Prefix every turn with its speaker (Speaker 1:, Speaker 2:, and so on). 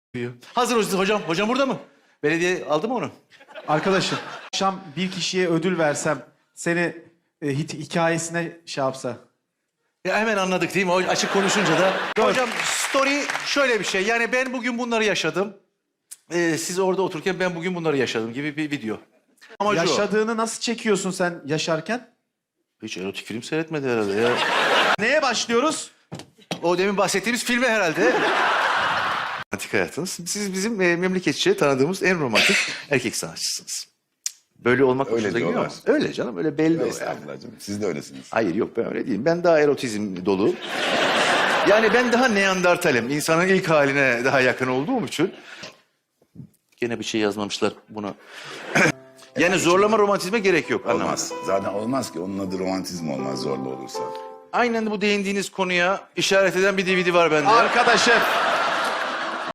Speaker 1: Hazır hocam. Hocam burada mı? Belediye aldı mı onu?
Speaker 2: Arkadaşım, akşam bir kişiye ödül versem, seni hikayesine şey yapsa.
Speaker 1: Ya hemen anladık değil mi? O açık konuşunca da. Hocam story şöyle bir şey. Yani ben bugün bunları yaşadım. Siz orada otururken ben bugün bunları yaşadım gibi bir video. Amacı o.
Speaker 2: Yaşadığını nasıl çekiyorsun sen yaşarken?
Speaker 1: Hiç erotik film seyretmedi herhalde ya.
Speaker 2: Neye başlıyoruz?
Speaker 1: O demin bahsettiğimiz filme herhalde. Romantik hayatınız. Siz bizim memleketçe tanıdığımız en romantik erkek sanatçısınız. Böyle olmak
Speaker 3: Öyle
Speaker 1: hoşunuza gidiyor mu?
Speaker 3: diyorlar.
Speaker 1: Öyle canım, öyle belli o yani.
Speaker 3: Estağfurullah canım. Siz de öylesiniz.
Speaker 1: Hayır yok ben öyle değilim. Ben daha erotizm dolu. Yani ben daha Neandertalim. İnsanın ilk haline daha yakın olduğum için. Gene bir şey yazmamışlar buna. Yani zorlama romantizme gerek yok. Anlamadım.
Speaker 3: Olmaz. Zaten olmaz ki. Onun adı romantizm olmaz zorlu olursa.
Speaker 1: Aynen bu değindiğiniz konuya işaret eden bir DVD var bende.
Speaker 2: Arkadaşım,